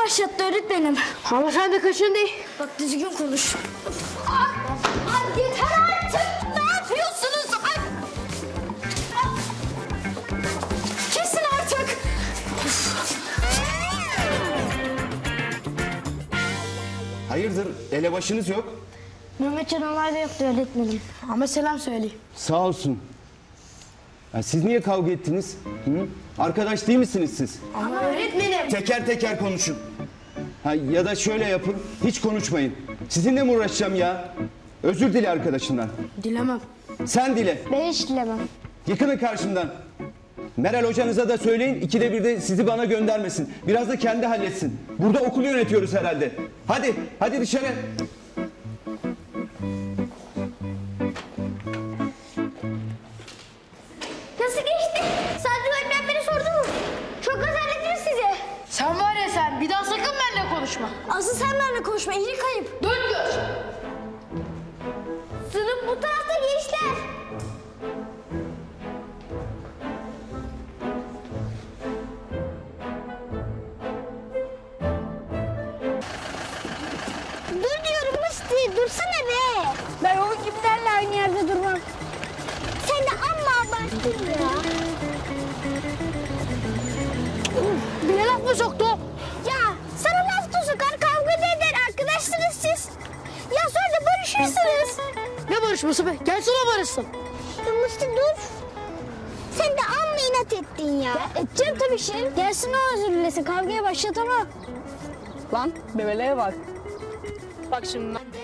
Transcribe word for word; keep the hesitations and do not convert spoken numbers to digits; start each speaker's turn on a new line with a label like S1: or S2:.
S1: başlattı öğretmenim.
S2: Ama sen de kaçın değil.
S1: Bak düzgün konuş. Ay, ay yeter artık. Ne yapıyorsunuz? Ay. Kesin artık.
S3: Hayırdır, elebaşınız yok?
S1: Mehmetcan olayda yoktu öğretmenim.
S2: Ama selam söyleyeyim.
S3: Sağ olsun. Ya siz niye kavga ettiniz? Hı? Arkadaş değil misiniz siz?
S2: Ama öğretmenim.
S3: Teker teker konuşun. Ha, ya da şöyle yapın, hiç konuşmayın. Sizinle mi uğraşacağım ya? Özür dile arkadaşından.
S2: Dilemem.
S3: Sen dile.
S1: Ben hiç dilemem.
S3: Yıkının karşımdan. Meral hocanıza da söyleyin, ikide bir de sizi bana göndermesin. Biraz da kendi halletsin. Burada okul yönetiyoruz herhalde. Hadi, hadi dışarı.
S1: Nasıl geçti? Sadri öğretmen beni sordu mu? Çok özellikli size.
S2: Sen var ya sen bir daha sakın benimle konuşma.
S1: Asıl sen benimle konuşma. İyilik kayıp.
S2: Dön gör.
S1: Sınıf bu tarafta gençler. Dur diyorum Musti. Dursana be. Ben o gibilerle aynı yerde durmam. Sen de amma abarttın ya.
S2: Bir laf mı soktu?
S1: Ya sana laf da sokar, kavga da eder. Arkadaşsınız siz. Ya sonra da barışırsınız.
S2: Ne barışması be? Gelsin o barışsın.
S1: Ya Musti dur. Sen de amma inat ettin ya. Ya edeceğim tabii Şerif. Gelsin o özür dilesin. Kavgaya başlatamam.
S2: Lan bebeleğe bak. Bak şimdi.